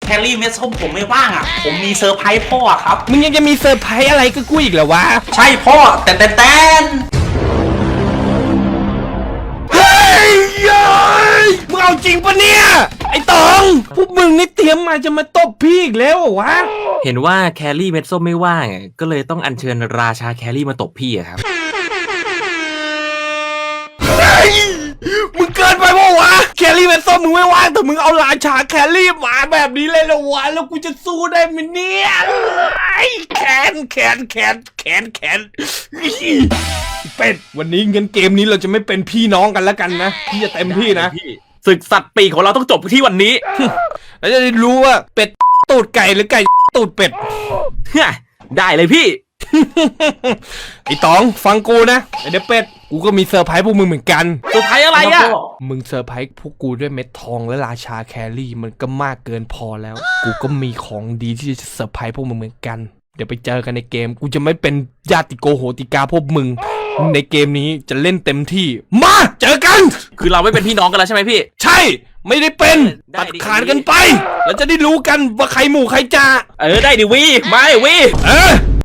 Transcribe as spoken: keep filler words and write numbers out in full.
แคลรี่เม็ดส้มผมไม่ว่างอ่ะผมมีเซอร์ไพรส์พ่อครับมึงยังจะมีเซอร์ไพรส์อะไรก็กูอีกเหรอวะใช่พ่อแต่แต่แต่เฮ้ยมึงเอาจริงปะเนี่ยไอ้ตองพวกมึงนี่เตรียมมาจะมาตบพี่อีกแล้ววะเห็นว่าแครี่เม็ดส้มไม่ว่างก็เลยต้องอัญเชิญราชาแครี่มาตบพี่อะครับมึงเกินไปปะวะแครี่เป็นส้มมึงไม่ว่างแต่มึงเอาราชาแครี่มาแบบนี้เลยเหรอวะแล้วกูจะสู้ได้ไหมเนี่ยแขนแขนแขนแขนแขนเป็ดวันนี้เงินเกมนี้เราจะไม่เป็นพี่น้องกันแล้วกันนะพี่จะเต็มที่นะศึกสัตว์ปีกของเราต้องจบที่วันนี้แล้วจะได้รู้ว่าเป็ดตูดไก่หรือไก่ตูดเป็ดได้เลยพี่ไอ้ตองฟังกูนะไอ้เด็กเป็ดกูก็มีเซอร์ไพรส์พวกมึงเหมือนกันเซอร์ไพรส์อะไรอ่ะมึงเซอร์ไพรส์พวกกูด้วยเม็ดทองและราชาแครี่มันก็มากเกินพอแล้วกูก็มีของดีที่จะเซอร์ไพรส์พวกมึงเหมือนกันเดี๋ยวไปเจอกันในเกมกูจะไม่เป็นญาติโกโหติกาพวกมึงในเกมนี้จะเล่นเต็มที่มาเจอกันคือเราไม่เป็นพี่น้องกันแล้วใช่ไหมพี่ใช่ไม่ได้เป็นตัดขาดกันไปแล้วจะได้รู้กันว่าใครหมู่ใครจ่าเออได้ดิวีมาดิวีเออ